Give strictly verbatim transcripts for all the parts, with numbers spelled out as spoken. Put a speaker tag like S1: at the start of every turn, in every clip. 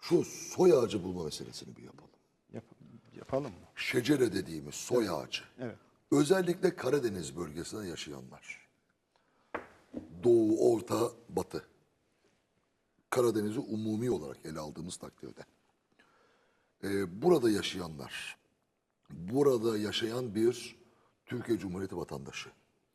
S1: Şu soy ağacı bulma meselesini bir yapalım.
S2: Yap, yapalım mı?
S1: Şecere dediğimiz soy ağacı.
S2: Evet.
S1: Özellikle Karadeniz bölgesinde yaşayanlar. Doğu, Orta, Batı. Karadeniz'i umumi olarak ele aldığımız takdirde. Ee, burada yaşayanlar, burada yaşayan bir Türkiye Cumhuriyeti vatandaşı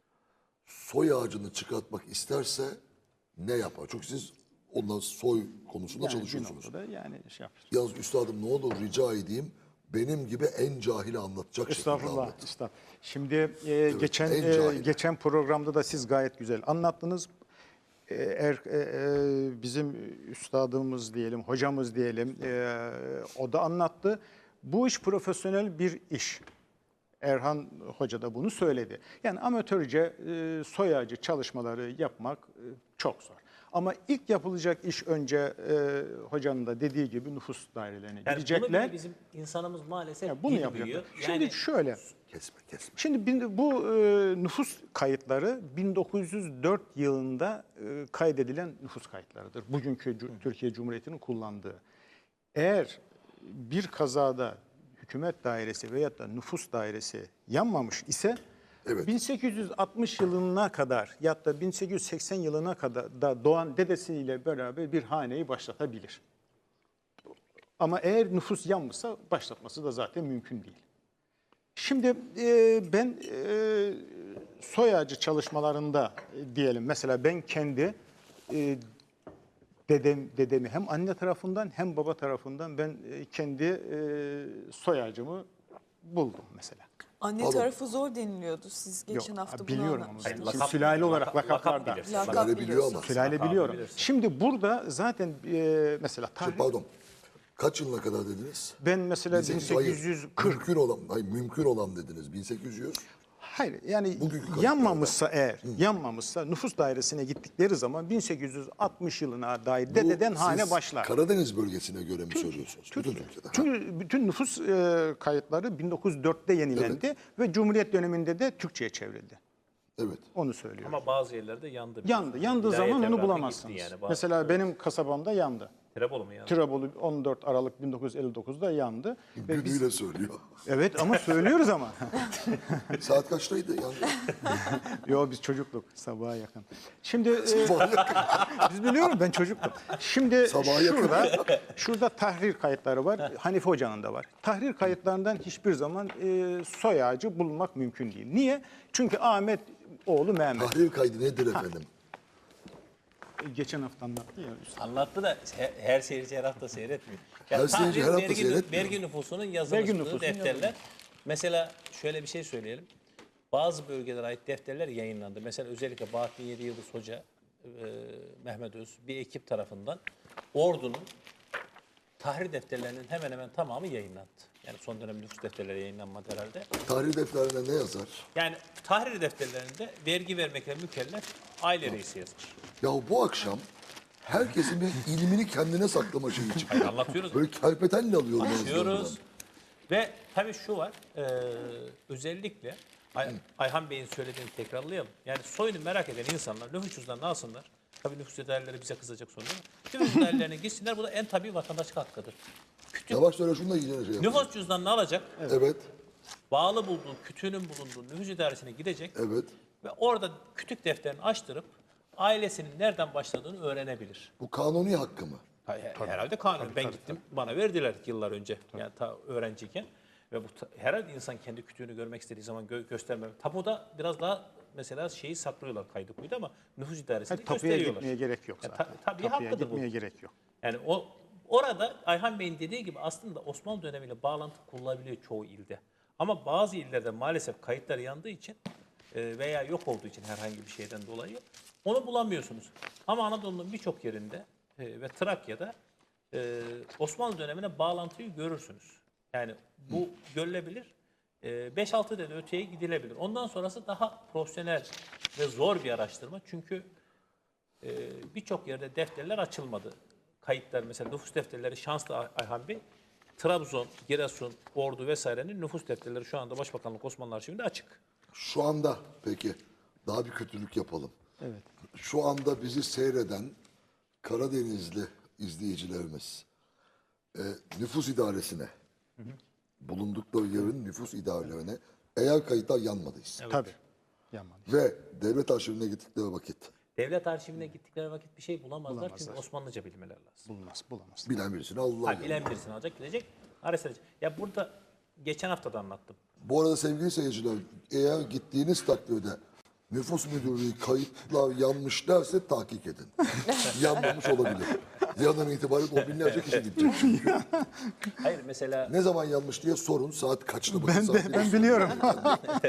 S1: soy ağacını çıkartmak isterse ne yapar? Çünkü siz onunla soy konusunda
S2: Yani bir
S1: çalışıyorsunuz.
S2: noktada yani şey yapar.
S1: Yalnız üstadım ne olur rica edeyim benim gibi en cahili anlatacak şekilde
S2: Estağfurullah,
S1: anlatın.
S2: estağfurullah. Şimdi e, geçen
S1: en
S2: e,
S1: cahil.
S2: geçen programda da siz gayet güzel anlattınız. E, er, e, e, bizim üstadımız diyelim, hocamız diyelim, e, o da anlattı. Bu iş profesyonel bir iş. Erhan Hoca da bunu söyledi. Yani amatörce e, soy ağacı çalışmaları yapmak e, çok zor. Ama ilk yapılacak iş önce e, hocanın da dediği gibi nüfus dairelerine
S3: Yani
S2: gidecekler.
S3: bunu bile bizim insanımız maalesef
S2: Yani bunu
S3: bilmiyor.
S2: yapacaklar.
S3: Yani
S2: Şimdi şöyle.
S1: Kesme kesme.
S2: Şimdi bin- bu e, nüfus kayıtları bin dokuz yüz dört yılında e, kaydedilen nüfus kayıtlarıdır. Bugünkü Cu- Türkiye Cumhuriyeti'nin kullandığı. Eğer bir kazada hükümet dairesi veyahut da nüfus dairesi yanmamış ise
S1: Evet.
S2: bin sekiz yüz altmış yılına kadar ya da bin sekiz yüz seksen yılına kadar da doğan dedesiyle beraber bir haneyi başlatabilir. Ama eğer nüfus yanmışsa başlatması da zaten mümkün değil. Şimdi e, ben e, soy ağacı çalışmalarında e, diyelim mesela ben kendi e, dedem dedemi hem anne tarafından hem baba tarafından ben e, kendi e, soy ağacımı buldum mesela.
S4: Anne
S1: Pardon.
S4: tarafı zor deniliyordu. Siz geçen
S2: Yok,
S4: hafta bunu
S2: biliyorum ama.
S4: anlatmıştınız.
S2: Şimdi sülale olarak
S3: lakap-
S2: lakaplarda.
S3: bilirsin.
S4: Lakap
S1: Sülale biliyor ama.
S4: biliyorsunuz.
S2: Sülale
S3: Lakabı
S2: biliyorum.
S3: bilirsin.
S2: Şimdi burada zaten e, mesela
S1: Şey,
S2: tarih,
S1: pardon. Kaç yılına kadar dediniz?
S2: ben mesela bin sekiz yüz kırk
S1: Hayır, mümkün olan, hayır, mümkün olan dediniz. bin sekiz yüz.
S2: Hayır yani
S1: Bugünkü kayıtlarda.
S2: yanmamışsa eğer, yanmamışsa nüfus dairesine gittikleri zaman bin sekiz yüz altmış yılına dair dededen
S1: Bu
S2: hane
S1: siz
S2: başlar.
S1: Karadeniz bölgesine göre mi söylüyorsunuz? Bütün Türkiye'de. Ha.
S2: Çünkü bütün nüfus e, kayıtları bin dokuz yüz dörtte yenilendi ve Cumhuriyet döneminde de Türkçe'ye çevrildi.
S1: Evet.
S2: Onu söylüyorum.
S3: ama bazı yerlerde yandı.
S2: Yandı. Yandığı
S3: Vilayet
S2: zaman onu
S3: evrakı
S2: bulamazsınız.
S3: gitti yani. Bazı-
S2: Mesela benim kasabamda yandı.
S3: Tirebolu mu yandı?
S2: Tirebolu on dört Aralık bin dokuz yüz elli dokuzda yandı. Ve biz,
S1: Günüyle söylüyor.
S2: evet ama söylüyoruz ama.
S1: Saat kaçtaydı? Yani,
S2: Yo biz çocukluk sabaha yakın. Şimdi e, biz biliyorum ben çocuktum. Şimdi
S1: Sabaha yakın.
S2: şurada şurada tahrir kayıtları var. Hanife Hoca'nın da var. Tahrir kayıtlarından hiçbir zaman e, soy ağacı bulmak mümkün değil. Niye? Çünkü Ahmet oğlu Mehmet.
S1: tahrir kaydı nedir efendim?
S2: Geçen hafta anlattı ya. üstad.
S3: Anlattı da he- her seyirci her hafta seyretmiyor.
S1: Her
S3: Yani
S1: seyirci her hafta
S3: vergi,
S1: seyretmiyor.
S3: vergi nüfusunun
S2: Vergi
S3: yazılmışlığı
S2: nüfusunun
S3: defterler.
S2: yazılmış.
S3: Mesela şöyle bir şey söyleyelim. Bazı bölgelere ait defterler yayınlandı. Mesela özellikle Bahattin Yedi Yıldız Hoca, e, Mehmet Öz bir ekip tarafından Ordu'nun tahrir defterlerinin hemen hemen tamamı yayınlandı. Yani son dönem nüfus defterleri yayınlanmadı herhalde.
S1: Tahrir defterine ne yazar?
S3: Yani tahrir defterlerinde vergi vermekle mükellef aile reisi yazmış.
S1: Ya bu akşam herkesin bir ilmini kendine saklama şeyi çıkıyor.
S3: Anlatıyoruz.
S1: Böyle kerpetenle alıyorum.
S3: Anlatıyoruz.
S1: ağızlarından.
S3: Ve tabii şu var, e, özellikle Ay- Ayhan Bey'in söylediğini tekrarlayalım. Yani soyunu merak eden insanlar nüfus cüzdanını alsınlar. Tabii nüfus daireleri bize kızacak sonra ama nüfus dairelerine gitsinler. Bu da en tabii vatandaşlık hakkıdır.
S1: Yavaş söyle şunu da yiyeceğine şey yap.
S3: Nüfus cüzdanını alacak,
S1: Evet.
S3: bağlı bulduğu, kütüğünün bulunduğu nüfus idaresine gidecek
S1: Evet.
S3: ve orada kütük defterini açtırıp ailesinin nereden başladığını öğrenebilir.
S1: Bu kanuni hakkı mı?
S3: Hayır, herhalde kanun. Ben gittim, bana verdiler yıllar önce. Yani ta öğrenciyken. Ve bu ta- herhalde insan kendi kütüğünü görmek istediği zaman gö göstermem. Tapuda biraz daha mesela şeyi saklıyorlar kaydı kuydu ama nüfus idaresinde
S2: Hayır, tapuya
S3: gösteriyorlar.
S2: gitmeye gerek yok
S3: Ya
S2: zaten.
S3: ta- tabii
S2: Tapuya
S3: hakkıdır bu.
S2: gitmeye gerek yok.
S3: Yani o orada Ayhan Bey'in dediği gibi aslında Osmanlı dönemiyle bağlantı kurulabiliyor çoğu ilde. Ama bazı illerde maalesef kayıtlar yandığı için e, veya yok olduğu için herhangi bir şeyden dolayı onu bulamıyorsunuz. Ama Anadolu'nun birçok yerinde e, ve Trakya'da e, Osmanlı dönemine bağlantıyı görürsünüz. Yani bu görülebilir. E, beş altı dedi öteye gidilebilir. Ondan sonrası daha profesyonel ve zor bir araştırma. Çünkü e, birçok yerde defterler açılmadı. Kayıtlar mesela nüfus defterleri şanslı Ay- Ayhan Bey. Trabzon, Giresun, Ordu vesairenin nüfus defterleri şu anda Başbakanlık Osmanlı Arşivinde açık.
S1: Şu anda peki daha bir kötülük yapalım.
S2: Evet.
S1: Şu anda bizi seyreden Karadenizli izleyicilerimiz e, nüfus idaresine, bulundukları yerin nüfus idarelerine eğer kayıtlar yanmadıysa
S2: Tabii. Yanmadı.
S1: ve devlet arşivine gittikleri vakit
S3: Devlet arşivine gittikleri vakit bir şey bulamazlar,
S2: Bulamazlar.
S3: çünkü Osmanlıca bilmeleri lazım.
S2: Bulunmaz, bulamaz.
S1: bilen birisini Allah
S3: Ha, bilen birisini alacak, gidecek, araştıracak. Ya burada geçen hafta da anlattım.
S1: Bu arada sevgili seyirciler, eğer gittiğiniz takdirde nüfus müdürlüğü kayıtlar yanmış derse tahkik edin. Yanmamış olabilir. Yarından itibaren o binlerce kişi gidecek. çünkü.
S3: Hayır mesela
S1: Ne zaman yanmış diye sorun, saat kaçta bakın.
S2: Ben
S1: saat
S2: de ben biliyorum.